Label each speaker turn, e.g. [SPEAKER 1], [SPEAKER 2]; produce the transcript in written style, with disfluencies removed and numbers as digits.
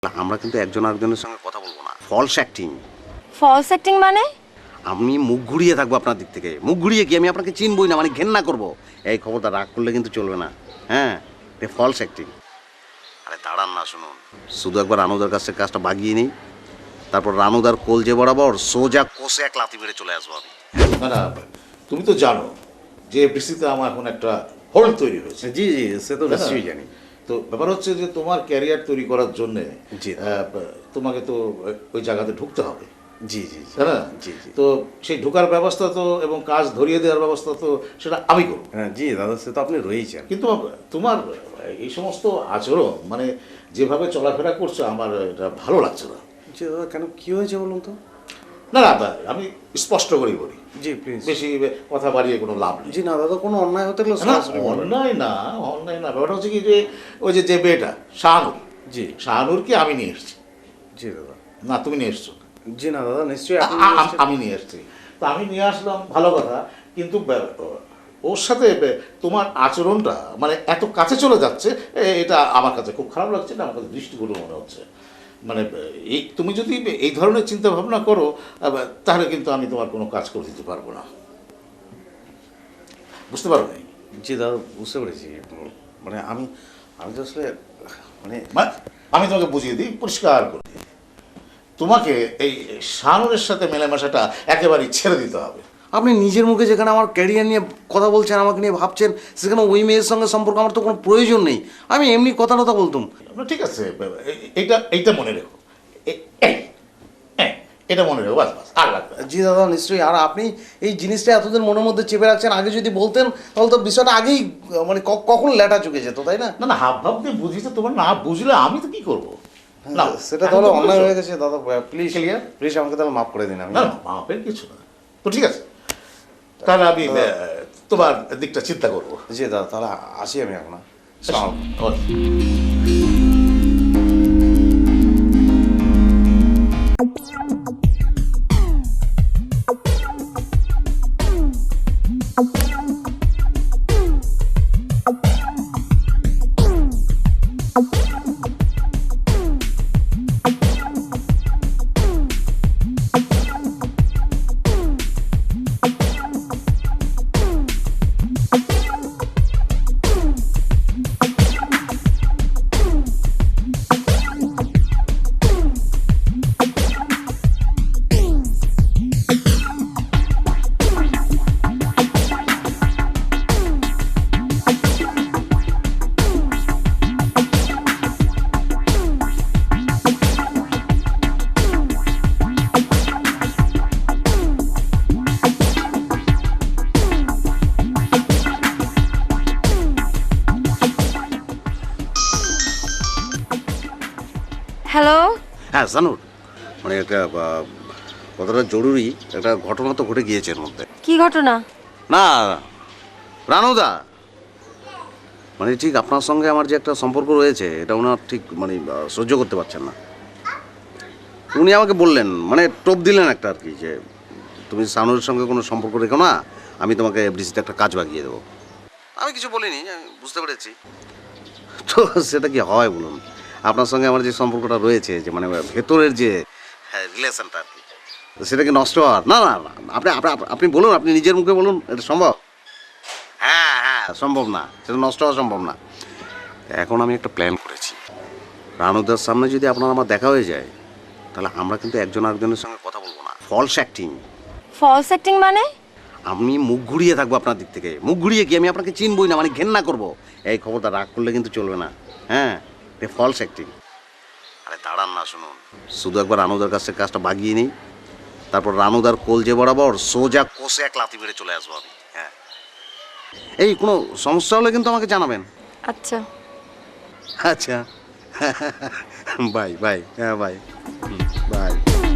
[SPEAKER 1] আমরা কিন্তু একজন আরেকজনের সঙ্গে কথা বলবো না, ফলস অ্যাক্টিং।
[SPEAKER 2] ফলস অ্যাক্টিং মানে?
[SPEAKER 1] আমি মুখ ঘুরিয়ে থাকবো আপনার দিক থেকে। মুখ ঘুরিয়ে কি আমি আপনাকে চিনবই না, মানে ঘেন্না করবো। এই খবরটা রাগ করলে কিন্তু চলবে না। হ্যাঁ, ফলস অ্যাক্টিং। আরে দাঁড়ান না, শুনুন, শুধু একবার রানুদার কাছ থেকে কাজটা বাগিয়ে নিই, তারপর রানুদার কোলজে বরাবর সোজা কোষে এক লাথি মেরে চলে আসবো আমি।
[SPEAKER 3] না না, তুমি তো জানো যে এফডিসিতে আমার এখন একটা হোল্ড তৈরি হয়েছে।
[SPEAKER 1] জি জি, সে তো নিশ্চয়ই জানি।
[SPEAKER 3] তো ব্যাপার হচ্ছে যে তোমার ক্যারিয়ার তৈরি করার জন্য
[SPEAKER 1] জি।
[SPEAKER 3] তোমাকে তো ওই জায়গাতে ঢুকতে হবে,
[SPEAKER 1] জি জি
[SPEAKER 3] তাই না?
[SPEAKER 1] জি জি।
[SPEAKER 3] তো সেই ঢোকার ব্যবস্থা তো এবং কাজ ধরিয়ে দেওয়ার ব্যবস্থা তো সেটা আমি করব।
[SPEAKER 1] হ্যাঁ জি দাদা, সে তো আপনি রয়েছেন।
[SPEAKER 3] কিন্তু তোমার এই সমস্ত আচরণ, মানে যেভাবে চলাফেরা করছো, আমার এটা ভালো লাগছে না।
[SPEAKER 1] জি দাদা, কেন কি হয়েছে বলুন তো?
[SPEAKER 3] না না, আমি স্পষ্ট করেই বলি,
[SPEAKER 1] জি প্লিজ।
[SPEAKER 3] বেশি কথা বাড়িয়ে কোনো লাভ নেই।
[SPEAKER 1] জি না দাদা, কোনো অন্যায় হতে গেলে
[SPEAKER 3] না,
[SPEAKER 1] সরাসরি বলবেন।
[SPEAKER 3] অন্যায় না, অন্যায় না। ব্যাপারটা হচ্ছে কি, যে ওই যে মেয়েটা শাহানুর,
[SPEAKER 1] জি
[SPEAKER 3] শাহানুরকে আমি নিয়ে এসেছি।
[SPEAKER 1] জি দাদা।
[SPEAKER 3] না, তুমি নিয়ে এসছো?
[SPEAKER 1] জি না দাদা, নিশ্চয়ই আপনি
[SPEAKER 3] আমি নিয়ে এসেছি। তো আমি নিয়ে আসলাম, ভালো কথা, কিন্তু ওর সাথে তোমার আচরণটা মানে এত কাছে চলে যাচ্ছে, এটা আমার কাছে খুব খারাপ লাগছে, না আমার কাছে দৃষ্টিগুলো মনে হচ্ছে। মানে এই তুমি যদি এই ধরনের চিন্তা ভাবনা করো, তাহলে কিন্তু আমি তোমার কোনো কাজ করে দিতে পারবো না। বুঝতে পারো নাই?
[SPEAKER 1] জি দাদা, বুঝতে পেরেছি। মানে আমি আমি তো আসলে মানে
[SPEAKER 3] আমি তোমাকে বুঝিয়ে দিই, পরিষ্কার করে দিই, তোমাকে এই শানুরের সাথে মেলামেশাটা একেবারেই ছেড়ে দিতে হবে।
[SPEAKER 1] আপনি নিজের মুখে যেখানে আমার ক্যারিয়ার নিয়ে কথা বলছেন, আমাকে নিয়ে ভাবছেন, সেখানে ওই মেয়ের সঙ্গে সম্পর্ক আমার তো কোনো প্রয়োজন নেই। আমি এমনি কথা বলতাম।
[SPEAKER 3] ঠিক আছে, এইটা মনে রেখো, এটা মনে রেখো, বাস বাস, আর লাগবে না।
[SPEAKER 1] জি দাদা, নিশ্চয়ই। আর আপনি এই জিনিসটা এতদিন মনের মধ্যে চেপে রাখছেন, আগে যদি বলতেন তাহলে তো বিষয়টা আগেই মানে কখন লেটা চুকে যেত, তাই না?
[SPEAKER 3] না না, হাব ভাব দিয়ে বুঝিতে, তোমার না বুঝলে আমি তো কি করবো? না,
[SPEAKER 1] সেটা
[SPEAKER 3] এখন
[SPEAKER 1] তাহলে
[SPEAKER 3] তো
[SPEAKER 1] অন্যায়
[SPEAKER 3] বুঝেছো।
[SPEAKER 1] হয়ে গেছে দাদা। Please
[SPEAKER 3] Clear?
[SPEAKER 1] প্লিজ আমাকে তাহলে মাফ করে দিন। আমি
[SPEAKER 3] না না, মাপের কিছু না। তো ঠিক আছে, তাহলে আমি তোমার দিকটা চিন্তা করবো।
[SPEAKER 1] জি দাদা, তাহলে আসি আমি এখন। আসসালামু আলাইকুম।
[SPEAKER 3] ওকে।
[SPEAKER 2] হ্যালো।
[SPEAKER 1] হ্যাঁ জানুর, মানে একটা কতটা জরুরি একটা ঘটনা তো ঘটে গিয়েছে এর মধ্যে।
[SPEAKER 2] কি ঘটনা?
[SPEAKER 1] না রানুদা, মানে ঠিক আপনার সঙ্গে আমার যে একটা সম্পর্ক রয়েছে, এটা ওনার ঠিক মানে সহ্য করতে পারছেন না। উনি আমাকে বললেন, মানে টোপ দিলেন একটা আর কি, যে তুমি সানুরের সঙ্গে কোনো সম্পর্ক রেখো না, আমি তোমাকে এফডিসিতে একটা কাজ বাগিয়ে দেবো। আমি কিছু বলিনি, আমি বুঝতে পেরেছি। তো সেটা কি হয় বলুন? আপনার সঙ্গে আমার যে সম্পর্কটা রয়েছে, যে মানে ভেতরের যে রিলেশনটা আর কি, তো সেটা কি নষ্ট হওয়ার? না না না, আপনি আপনি বলুন, আপনি নিজের মুখে বলুন, এটা সম্ভব? হ্যাঁ হ্যাঁ, সম্ভব না, সেটা নষ্ট হওয়া সম্ভব না। এখন আমি একটা প্ল্যান করেছি, রানুদার সামনে যদি আপনার আমার দেখা হয়ে যায়, তাহলে আমরা কিন্তু একজন আরেকজনের সঙ্গে কথা বলবো না, ফলস অ্যাক্টিং।
[SPEAKER 2] ফলস অ্যাক্টিং মানে?
[SPEAKER 1] আমি মুখ ঘুরিয়ে থাকবো আপনার দিক থেকে। মুখ ঘুরিয়ে কি আমি আপনাকে চিনবই না, মানে ঘেন্না করবো। এই খবরটা রাগ করলে কিন্তু চলবে না। হ্যাঁ, ফলস অ্যাক্টিং। আরে দাঁড়ান না, শুনুন, শুধু একবার রানুদার কাছ থেকে কাজটা বাগিয়ে নিই, তারপর রানুদার কোলজে বরাবর সোজা কোষে এক লাথি মেরে চলে আসবো আমি। হ্যাঁ, এই কোনো সমস্যা হলে কিন্তু আমাকে জানাবেন।
[SPEAKER 2] আচ্ছা।
[SPEAKER 1] আচ্ছা। Bye bye. হ্যাঁ বাই বাই।